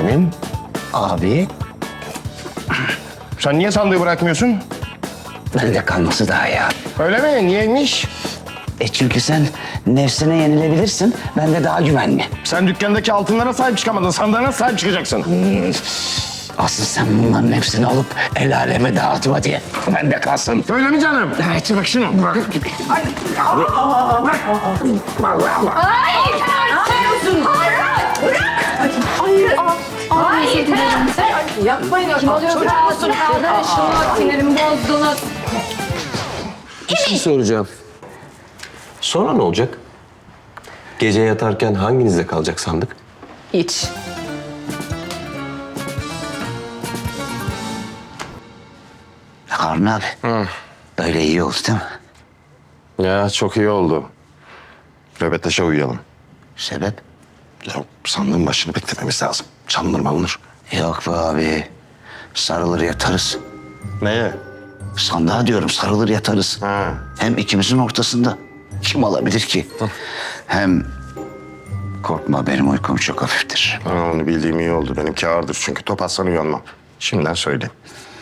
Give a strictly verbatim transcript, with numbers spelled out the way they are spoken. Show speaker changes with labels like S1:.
S1: kuzenim, abi.
S2: Sen niye sandığı bırakmıyorsun?
S1: Bende kalması daha iyi abi.
S2: Öyle mi? Niyeymiş?
S1: E çünkü sen nefsine yenilebilirsin, ben de daha güvenli.
S2: Sen dükkandaki altınlara sahip çıkamadın. Sandığına sahip çıkacaksın.
S1: Asıl sen bunların hepsini alıp el aleme dağıtma diye. Bende kalsın.
S2: Öyle mi canım?
S1: Evet, bak şunu. Bak.
S3: Hayır! Hayır! Hayır! Hayır! Yapmayın. Kim oluyor? Olsun kaldı. Şunu sinirimi bozdunuz.
S4: Bir şey soracağım. Sonra ne olacak? Gece yatarken hanginizde kalacak sandık?
S3: Hiç.
S1: Harun abi. Böyle iyi oldu değil mi?
S2: Ya çok iyi oldu. Röbeteşe uyuyalım.
S1: Sebep?
S2: Ya sandığın başını beklememiz lazım. Çalınır malınır.
S1: Yok be abi. Sarılır yatarız.
S2: Neye?
S1: Sandığa diyorum, sarılır yatarız.
S2: Ha.
S1: Hem ikimizin ortasında. Kim alabilir ki? Hem korkma, benim uykum çok hafiftir.
S2: Ha, onu bildiğim iyi oldu. Benimki ağırdır çünkü top atsan uyanmam. Şimdiden söyleyeyim.